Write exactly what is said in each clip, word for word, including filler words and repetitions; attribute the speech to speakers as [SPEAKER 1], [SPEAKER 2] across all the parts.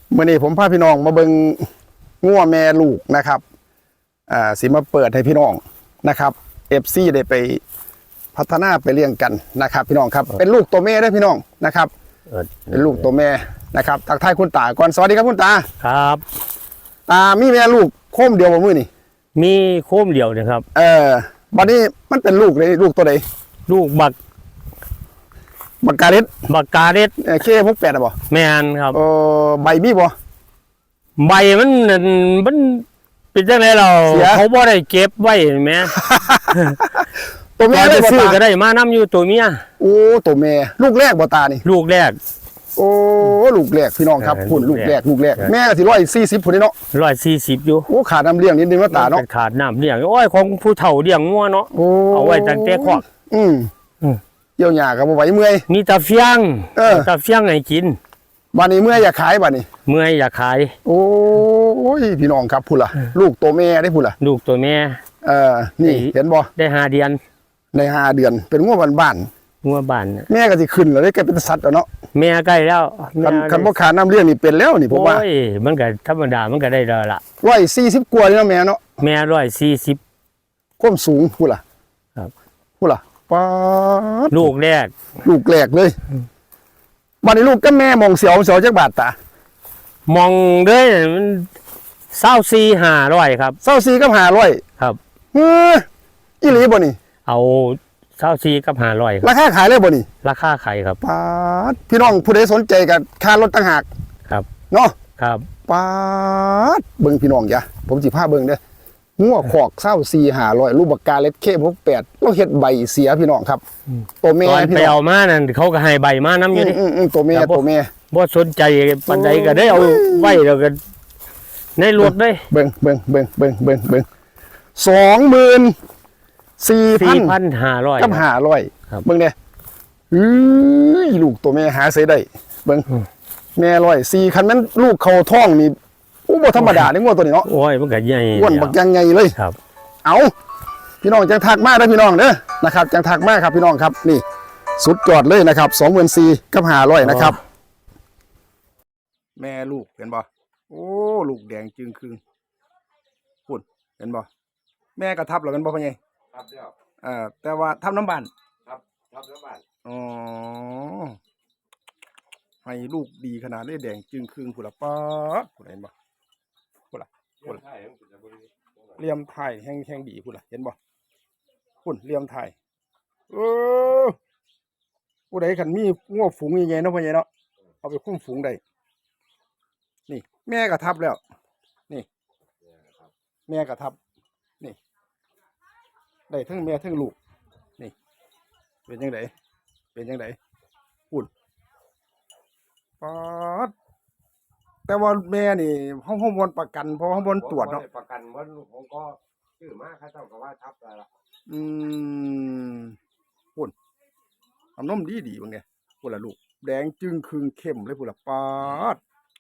[SPEAKER 1] เมื่อนี้ผมพาพี่น้องมาเบิ่งงัวแม่ลูกนะครับอ่าสิมาเปิดให้พี่น้องนะครับเอฟซีได้ไปพัฒนาไปเลี้ยงกันนะครับพี่น้องครับเป็นลูกตัวแม่ได้พี่น้องนะครับเป็นลูกตัวแม่นะครับทักทายคุณตาก่อนสวัสดีครับคุณตา
[SPEAKER 2] ครับ
[SPEAKER 1] ตามีแม่ลูกโคมเดียวบ่มื้อนี่
[SPEAKER 2] มีโคมเดียวนะครับ
[SPEAKER 1] เออบัดนี้มันเป็นลูกเลยลูกตัวใด
[SPEAKER 2] ลูกบัก
[SPEAKER 1] บักกาเร็ด
[SPEAKER 2] บักกาเร็ด
[SPEAKER 1] เคหกแปดอ่ะบ่
[SPEAKER 2] แม่นครับ
[SPEAKER 1] เออใบมีบ่
[SPEAKER 2] ใบมันมันเป็นจังได๋เราเขาบ่ได้เก็บไว้แม่
[SPEAKER 1] ตัวแม่ได้
[SPEAKER 2] ซื้อก็ได้มานํอยู่ตัวเมีย
[SPEAKER 1] โอ้ตัวแม่ลูกแรกบ่ตานี่
[SPEAKER 2] ลูกแรก
[SPEAKER 1] โอ้ลูกแรกพี่น้องครับพุ่นลูกแรกลูกแรกแม่ก็สิหนึ่งร้อยสี่สิบพุ่นนี่เนาะ
[SPEAKER 2] หนึ่งร้อยสี่สิบอยู่
[SPEAKER 1] โอ้ขาดน้ำเลี้ยงนิดนึงว่าตาเนาะ
[SPEAKER 2] ขาดน้ำเลี้ยงโอ้ยของผู้เฒ่าเลี้ยงงัวเนาะเอาไว้ตั้งแต่คอก
[SPEAKER 1] อืมเกี่ยวหญ้าก็บ่ไหวเมื่อย
[SPEAKER 2] มีตาเฟียงเออตาเฟียงให้กิน
[SPEAKER 1] บัดนี้เมื่อยอยากขายบัดนี้
[SPEAKER 2] เมื่อยอยากขาย
[SPEAKER 1] โอ้ยพี่น้องครับพุ่นล่ะลูกตัวแม่ได้พุ่นล่ะ
[SPEAKER 2] ลูกตัวแม่
[SPEAKER 1] เออนี่เห็นบ่
[SPEAKER 2] ได้ห้าเดือน
[SPEAKER 1] ได้ห้าเดือนเป็นงัวบ้าน
[SPEAKER 2] ๆงัวบ้าน
[SPEAKER 1] แม่ก็สิขึ้นแล้วได้ก็เป็นสัตว์แล้วเนาะ
[SPEAKER 2] แม่ใกล้แล้ว
[SPEAKER 1] คันคันบ่ขาดน้ำเลี้ยงนี่เป็นแล้วนี่ผมว่า
[SPEAKER 2] โอ้ยมันก็ธรรมดามันก็ได้แล้วล่ะ
[SPEAKER 1] หนึ่งร้อยสี่สิบกว่าเนาะแม่เนาะ
[SPEAKER 2] แม่หนึ่งร้อยสี่สิบ
[SPEAKER 1] ความสูงพุ่นล่ะ
[SPEAKER 2] ครับ
[SPEAKER 1] พุ่นล่ะป๊าด
[SPEAKER 2] ลูกแรก
[SPEAKER 1] ลูกแรกเลยบัดนี้ลูกกับแม่มองเสียวเสียวจักบาทตาม
[SPEAKER 2] องเด้อมันเศร้าสี่ห้าร้อยครับ
[SPEAKER 1] เศร้าสี่กับห้าร้อย
[SPEAKER 2] ครับ
[SPEAKER 1] เฮ้ออีหลีบ่นี่
[SPEAKER 2] เอาเศร้าสี่กับห้าร้อย
[SPEAKER 1] ราคาขายเลยบ่นี่
[SPEAKER 2] ราคาขายครับ
[SPEAKER 1] ป๊าดพี่น้องผู้ใดสนใจกับค่ารถต่างหาก
[SPEAKER 2] ครับ
[SPEAKER 1] เนาะ
[SPEAKER 2] ครับ
[SPEAKER 1] ป๊าดเบิ่งพี่น้องจ้ะผมสิพาเบิ่งเด้องัวขอกเศร้าสี่ห้าร้อยลูกบักกาเล็ดเคหกแปดเราเฮ็ดใบเสียพี่น้องครับตัวแม่
[SPEAKER 2] พี่น้องไปเอามานั่นเขาก็ให้ใบมาน้ำอยู่นี่
[SPEAKER 1] ตัวแม่ตัวแม่
[SPEAKER 2] บ่สนใจปันใดก็ได้เอาไว้แล้วกันในรถได้
[SPEAKER 1] เบิ่งเบิ่งเบิ่งเบิ่งเบิ่งเบิ่งสองหมื่นสี่พัน
[SPEAKER 2] ห้าร้อย
[SPEAKER 1] กับห้าร้อยเบิ่งเนี่ยอื้อลูกตัวแม่หาใส่ได้เบิ่งแม่ร้อยสี่คันนั้นลูกเขาท้องนี่อู้บ่ธรรมดาเนี่ยงัวตัวนี้เนาะ
[SPEAKER 2] โอ้ยมันก็ใหญ่
[SPEAKER 1] อ้วนบักยังไงเลย
[SPEAKER 2] ครับ
[SPEAKER 1] เอาพี่น้องจังทักมาได้พี่น้องเด้อนะครับจังทักมาครับพี่น้องครับนี่สุดยอดเลยนะครับสองหมื่นสี่กับห้าร้อยนะครับแม่ลูกเห็นบ่โอ้ลูกแดงจึงคืงพุ่นเห็นบ่แม่กระทับแล้วกันบ่พ่อใหญ่
[SPEAKER 3] ทับแล้ว
[SPEAKER 1] เอ่อแต่ว่าทับน้ำบาน
[SPEAKER 3] ครับทับน้ำบาน
[SPEAKER 1] อ๋อให้ลูกดีขนาดเลยแดงจึงคืงพุ่นละป๊าดพุ่นเห็นบ่พุ่นละพุ่นเลี่ยมไทยแห้งแห้งดีพุ่นละเห็นบ่พุ่นเลี่ยมไทยเออผู้ใดขันมีง้อฝูงยังไงเนาะพ่อใหญ่เนาะเอาไปคุ้มฝูงได้นี่แม่กระทับแล้วนี่แม่กระทับนี่ได้ทั้งแม่ทั้งลูกนี่เป็นยังไงเป็นยังไงปุ่นป๊าดแต่ว่าแม่นี่ห้องห้องบนประกันเพราะห้องบนตรวจเนาะ
[SPEAKER 3] ประกันว่าลูกผมก็ชื่อมาข้าเจ้าก็ว่าทับอะไรล่ะ
[SPEAKER 1] อืมปุ่นเอานมดีดีบางไงปุ่นละลูกแดงจึงคืงเข้มเลยปุ่นละป๊าด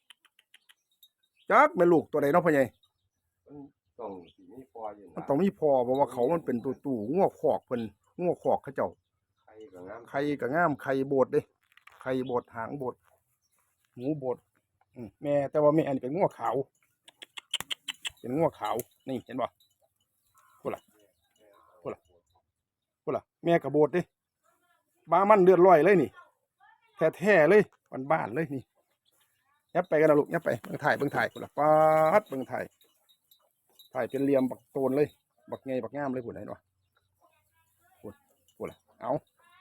[SPEAKER 1] จักเป็นลูกตัวใดเนาะพ่อใหญ่
[SPEAKER 3] ต้องมีพออยู่
[SPEAKER 1] มันต้องมีพอเพราะว่าเขามันเป็นตัวตู่ง้อขอกเพิ่นง้อขอกเขาเจ้า
[SPEAKER 3] ไข่กับงาม
[SPEAKER 1] ไข่กับงามไข่โบดเด้ไข่โบดหางโบดหูโบดแม่แต่ว่าแม่อันนี้เป็นง้อขาวเป็นง้อขาวนี่เห็นป่ะพูดล่ะพูดล่ะพูดล่ะแม่กับโบดเด้บ้ามันเลือดลอยเลยนี่แท้ๆเลยบ้านๆเลยนี่ยับไปกันนะลูกยับไปเบิ่งถ่ายเบิ่งถ่ายพูดล่ะป๊าดเบิ่งถ่ายถ่ายเป็นเหลี่ยมบักโตนเลยบักไงบักงามเลยพูดไหนวะพูดพูดล่ะเอา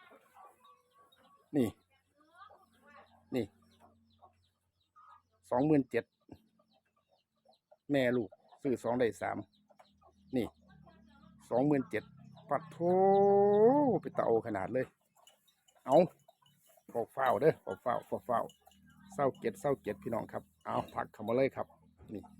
[SPEAKER 1] นี่นี่สองหมื่นเจ็ดแม่ลูกซื้อสองได้สามนี่สองหมื่นเจ็ดปัดโถไปเตาขนาดเลยเอาฟอกเฝ้าเด้อฟอกเฝ้าฟอกเฝ้าเศร้าเจ็ดเศร้าเจ็ดพี่น้องครับเอาผักเข้ามาเลยครับนี่